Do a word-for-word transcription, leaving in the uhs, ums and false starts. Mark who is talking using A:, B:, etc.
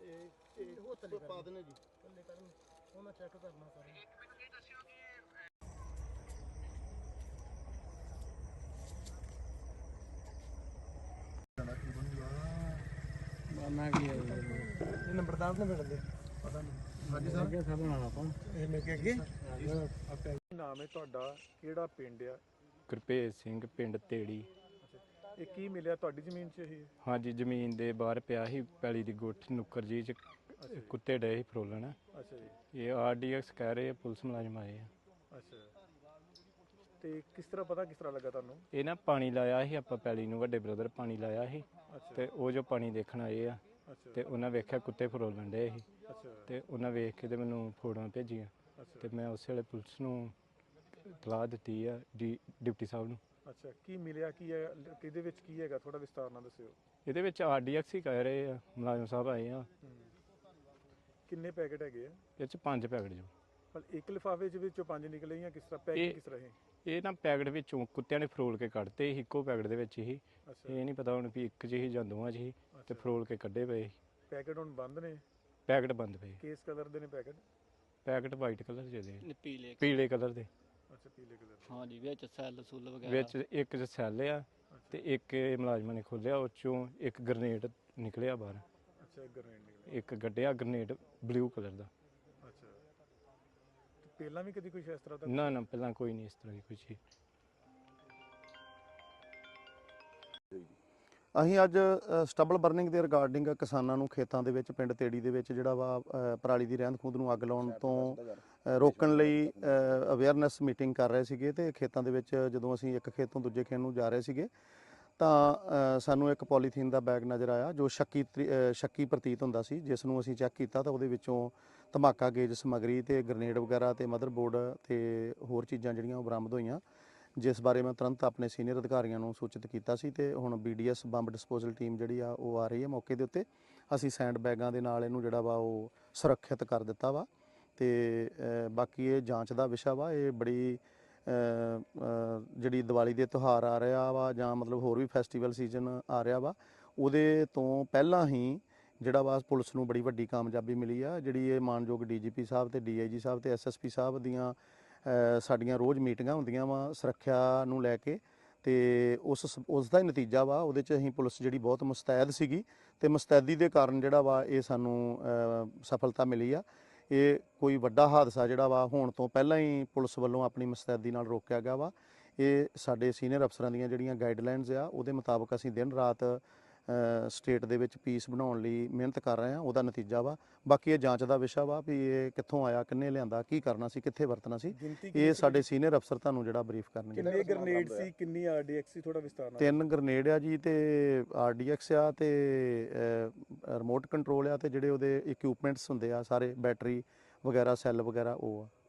A: ਉਹ ਥੱਲੇ ਪਾ ਦੇਣੇ ਜੀ, ਥੱਲੇ ਕਰਨ ਉਹ ਮੈਂ ਚੈੱਕ ਕਰਨਾ ਸਾਰਾ। ਕੀ ਹੈ ਇਹ ਨੰਬਰਦਾਰ ਨੇ ਮਿਲਦੇ ਪਤਾ ਨਹੀਂ। ਹਾਂਜੀ ਸਰ ਅੱਗੇ ਸਭ ਬਣਾਉਣਾ ਆਪਾਂ ਇਹ ਮੈਂ ਅੱਗੇ ਅੱਗੇ ਨਾਮ ਹੈ ਤੁਹਾਡਾ, ਕਿਹੜਾ ਪਿੰਡ ਆ?
B: ਗੁਰਭੇਜ ਸਿੰਘ, ਪਿੰਡ ਤੇੜੀ।
A: ਇਹ ਕੀ ਮਿਲਿਆ ਤੁਹਾਡੀ ਜ਼ਮੀਨ 'ਚ ਇਹ?
B: ਹਾਂਜੀ, ਜ਼ਮੀਨ ਦੇ ਬਾਹਰ ਪਿਆ ਸੀ ਪੈਲੀ ਦੀ ਗੁੱਠ ਨੁੱਕਰ ਜੀ 'ਚ ਕੁੱਤੇ ਡਏ ਸੀ ਫਰੋਲਣ।
A: ਅੱਛਾ ਜੀ।
B: ਇਹ ਆਰ ਡੀ ਐਕਸ ਕਹਿ ਰਹੇ ਆ, ਪੁਲਿਸ ਮੁਲਾਜ਼ਮ ਆਏ ਆ।
A: ਅੱਛਾ, ਤੇ ਕਿਸ ਤਰ੍ਹਾਂ ਪਤਾ ਕਿਸ ਤਰ੍ਹਾਂ ਲੱਗਾ ਤੁਹਾਨੂੰ?
B: ਇਹ ਨਾ ਪਾਣੀ ਲਾਇਆ ਸੀ ਆਪਾਂ ਪੈਲੀ ਨੂੰ, ਵੱਡੇ ਬ੍ਰਦਰ ਪਾਣੀ ਲਾਇਆ ਸੀ ਤੇ ਉਹ ਜੋ ਪਾਣੀ ਦੇਖਣ ਆਏ ਆ ਤੇ ਉਹਨਾਂ ਵੇਖਿਆ ਕੁੱਤੇ ਫਰੋਲਣ ਡਏ ਸੀ ਤੇ ਉਹਨਾਂ ਵੇਖ ਕੇ ਤੇ ਮੈਨੂੰ ਫੋਟੋਆਂ ਭੇਜੀਆਂ ਤੇ ਮੈਂ ਉਸੇ ਵੇਲੇ ਪੁਲਿਸ ਨੂੰ ਇਤਲਾਹ ਦਿੱਤੀ ਆ, ਡੀ ਡਿਪਟੀ ਸਾਹਿਬ ਨੂੰ।
A: ਅੱਛਾ, ਕੀ ਮਿਲਿਆ ਕੀ ਹੈ, ਕਿਹਦੇ ਵਿੱਚ ਕੀ ਹੈਗਾ, ਥੋੜਾ ਵਿਸਤਾਰ ਨਾਲ ਦੱਸਿਓ।
B: ਇਹਦੇ ਵਿੱਚ ਆਰ ਡੀ ਐਕਸ ਹੀ ਕਹਿ ਰਹੇ ਆ, ਮੁਲਾਜ਼ਮ ਸਾਹਿਬ ਆਏ ਆ।
A: ਕਿੰਨੇ ਪੈਕੇਟ ਹੈਗੇ ਆ
B: ਇਹ 'ਚ ਪੰਜ ਪੈਕਟ ਜੋ।
A: ਪਰ ਇੱਕ ਲਿਫਾਫੇ ਚ ਵਿੱਚੋਂ ਪੰਜ ਨਿਕਲੇ ਜਾਂ ਕਿਸ ਤਰ੍ਹਾਂ ਪੈਕੇਟ ਕਿਸ ਤਰ੍ਹਾਂ ਹੈ?
B: ਇਹ ਨਾ ਪੈਕਟ ਵਿੱਚੋਂ ਕੁੱਤਿਆਂ ਨੇ ਫਰੋਲ ਕੇ ਕੱਢਤੇ ਸੀ, ਇੱਕੋ ਪੈਕਟ ਦੇ ਵਿੱਚ ਹੀ। ਇਹ ਨਹੀਂ ਪਤਾ ਹੁਣ ਵੀ ਇੱਕ 'ਚ ਹੀ ਜਾਂ ਦੋਵਾਂ 'ਚ ਹੀ ਤੇ ਫਰੋਲ ਕੇ ਕੱਢੇ ਪਏ।
A: ਪੈਕੇਟ ਹੁਣ ਬੰਦ ਨੇ?
B: ਪੈਕਟ ਬੰਦ ਪਏ।
A: ਕਿਸ ਕਲਰ ਦੇ ਨੇ ਪੈਕੇਟ?
B: ਪੈਕਟ ਵਾਈਟ ਕਲਰ ਦੇ ਨੇ,
C: ਪੀਲੇ
B: ਪੀਲੇ ਕਲਰ ਦੇ।
A: ਅੱਛਾ, ਪੀਲੇ ਕਲਰ ਦੇ।
C: ਹਾਂਜੀ, ਵਿੱਚ ਸੈੱਲ ਸੁੱਲ ਵਗੈਰਾ
B: ਵਿੱਚ ਇੱਕ 'ਚ ਸੈੱਲ ਆ ਤੇ ਇੱਕ ਮੁਲਾਜ਼ਮਾਂ ਨੇ ਖੋਲਿਆ, ਉਹ 'ਚੋਂ ਇੱਕ ਗ੍ਰਨੇਡ ਨਿਕਲਿਆ ਬਾਹਰ।
A: ਅੱਛਾ, ਗ੍ਰਨੇਡ ਨਿਕਲਿਆ।
B: ਇੱਕ ਗੱਡਿਆ ਗ੍ਰਨੇਡ ਬਲੂ ਕਲਰ ਦਾ।
A: ਅੱਛਾ, ਤੇ ਪਹਿਲਾਂ ਵੀ ਕਦੀ ਕੁਝ ਇਸ ਤਰ੍ਹਾਂ ਦਾ?
B: ਨਾ ਨਾ, ਪਹਿਲਾਂ ਕੋਈ ਨਹੀਂ ਇਸ ਤਰ੍ਹਾਂ ਦੀ ਕੋਈ ਚੀਜ਼।
D: ਅਸੀਂ ਅੱਜ ਸਟਬਲ ਬਰਨਿੰਗ ਦੇ ਰਿਗਾਰਡਿੰਗ ਕਿਸਾਨਾਂ ਨੂੰ ਖੇਤਾਂ ਦੇ ਵਿੱਚ ਪਿੰਡ ਤੇੜੀ ਦੇ ਵਿੱਚ ਜਿਹੜਾ ਵਾ ਪਰਾਲੀ ਦੀ ਰਹਿੰਦ ਖੂੰਹਦ ਨੂੰ ਅੱਗ ਲਾਉਣ ਤੋਂ ਰੋਕਣ ਲਈ ਅਵੇਅਰਨੈਸ ਮੀਟਿੰਗ ਕਰ ਰਹੇ ਸੀਗੇ ਤੇ ਖੇਤਾਂ ਦੇ ਵਿੱਚ ਜਦੋਂ ਅਸੀਂ ਇੱਕ ਖੇਤ ਤੋਂ ਦੂਜੇ ਖੇਤ ਨੂੰ ਜਾ ਰਹੇ ਸੀਗੇ ਤਾਂ ਸਾਨੂੰ ਇੱਕ ਪੋਲੀਥੀਨ ਦਾ ਬੈਗ ਨਜ਼ਰ ਆਇਆ ਜੋ ਸ਼ੱਕੀ ਸ਼ੱਕੀ ਪ੍ਰਤੀਤ ਹੁੰਦਾ ਸੀ, ਜਿਸ ਨੂੰ ਅਸੀਂ ਚੈੱਕ ਕੀਤਾ ਤਾਂ ਉਹਦੇ ਵਿੱਚੋਂ ਧਮਾਕਾ ਗੇਜ ਸਮੱਗਰੀ ਤੇ ਗ੍ਰਨੇਡ ਵਗੈਰਾ ਤੇ ਮਦਰਬੋਰਡ ਤੇ ਹੋਰ ਚੀਜ਼ਾਂ ਜਿਹੜੀਆਂ ਉਹ ਬਰਾਮਦ ਹੋਈਆਂ, ਜਿਸ ਬਾਰੇ ਮੈਂ ਤੁਰੰਤ ਆਪਣੇ ਸੀਨੀਅਰ ਅਧਿਕਾਰੀਆਂ ਨੂੰ ਸੂਚਿਤ ਕੀਤਾ ਸੀ ਤੇ ਹੁਣ B D S bomb disposal team ਜਿਹੜੀ ਆ ਉਹ ਆ ਰਹੀ ਹੈ ਮੌਕੇ ਦੇ ਉੱਤੇ। ਅਸੀਂ ਸੈਂਡ ਬੈਗਾਂ ਦੇ ਨਾਲ ਇਹਨੂੰ ਜਿਹੜਾ ਵਾ ਉਹ ਸੁਰੱਖਿਅਤ ਕਰ ਦਿੱਤਾ ਵਾ ਤੇ ਬਾਕੀ ਇਹ ਜਾਂਚ ਦਾ ਵਿਸ਼ਾ ਵਾ। ਇਹ ਬੜੀ ਜਿਹੜੀ ਦੀਵਾਲੀ ਦੇ ਤਿਉਹਾਰ ਆ ਰਿਹਾ ਵਾ ਜਾਂ ਮਤਲਬ ਹੋਰ ਵੀ ਫੈਸਟੀਵਲ ਸੀਜ਼ਨ ਆ ਰਿਹਾ ਵਾ, ਉਹਦੇ ਤੋਂ ਪਹਿਲਾਂ ਹੀ ਜਿਹੜਾ ਵਾ ਪੁਲਿਸ ਨੂੰ ਬੜੀ ਵੱਡੀ ਕਾਮਯਾਬੀ ਮਿਲੀ ਆ। ਜਿਹੜੀ ਇਹ ਮਾਨਯੋਗ ਡੀ ਜੀ ਪੀ ਸਾਹਿਬ ਤੇ ਡੀ ਆਈ ਜੀ ਸਾਹਿਬ ਤੇ ਐਸ ਐਸ ਪੀ ਸਾਹਿਬ ਦੀਆਂ ਸਾਡੀਆਂ ਰੋਜ਼ ਮੀਟਿੰਗਾਂ ਹੁੰਦੀਆਂ ਵਾ ਸੁਰੱਖਿਆ ਨੂੰ ਲੈ ਕੇ ਤੇ ਉਸ ਉਸ ਦਾ ਹੀ ਨਤੀਜਾ ਵਾ। ਉਹਦੇ 'ਚ ਅਸੀਂ ਪੁਲਿਸ ਜਿਹੜੀ ਬਹੁਤ ਮੁਸਤੈਦ ਸੀਗੀ ਤੇ ਮੁਸਤੈਦੀ ਦੇ ਕਾਰਨ ਜਿਹੜਾ ਵਾ ਇਹ ਸਾਨੂੰ ਸਫਲਤਾ ਮਿਲੀ ਆ। ਇਹ ਕੋਈ ਵੱਡਾ ਹਾਦਸਾ ਜਿਹੜਾ ਵਾ ਹੋਣ ਤੋਂ ਪਹਿਲਾਂ ਹੀ ਪੁਲਿਸ ਵੱਲੋਂ ਆਪਣੀ ਮੁਸਤੈਦੀ ਨਾਲ ਰੋਕਿਆ ਗਿਆ ਵਾ। ਇਹ ਸਾਡੇ ਸੀਨੀਅਰ ਅਫਸਰਾਂ ਦੀਆਂ ਜਿਹੜੀਆਂ ਗਾਈਡਲਾਈਨਸ ਆ ਉਹਦੇ ਮੁਤਾਬਕ ਅਸੀਂ ਦਿਨ ਰਾਤ ਸਟੇਟ ਦੇ ਵਿੱਚ ਪੀਸ ਬਣਾਉਣ ਲਈ ਮਿਹਨਤ ਕਰ ਰਹੇ ਹਾਂ, ਉਹਦਾ ਨਤੀਜਾ ਵਾ। ਬਾਕੀ ਇਹ ਜਾਂਚ ਦਾ ਵਿਸ਼ਾ ਵਾ ਵੀ ਇਹ ਕਿੱਥੋਂ ਆਇਆ, ਕਿੰਨੇ ਲਿਆਂਦਾ, ਕੀ ਕਰਨਾ ਸੀ, ਕਿੱਥੇ ਵਰਤਣਾ ਸੀ, ਇਹ ਸਾਡੇ ਸੀਨੀਅਰ ਅਫਸਰ ਤੁਹਾਨੂੰ ਜਿਹੜਾ ਬਰੀਫ ਕਰਨਗੇ।
A: ਕਿੰਨੇ ਗ੍ਰਨੇਡ ਸੀ, ਕਿੰਨੀ ਆਰ ਡੀ ਐਕਸ ਸੀ, ਥੋੜਾ ਵਿਸਤਾਰ ਨਾਲ?
D: ਤਿੰਨ ਗ੍ਰਨੇਡ ਆ ਜੀ ਤੇ ਆਰ ਡੀ ਐਕਸ ਆ ਤੇ ਰਿਮੋਟ ਕੰਟਰੋਲ ਆ ਤੇ ਜਿਹੜੇ ਉਹਦੇ ਇਕਵਿਪਮੈਂਟਸ ਹੁੰਦੇ ਆ ਸਾਰੇ ਬੈਟਰੀ ਵਗੈਰਾ ਸੈੱਲ ਵਗੈਰਾ ਉਹ ਆ।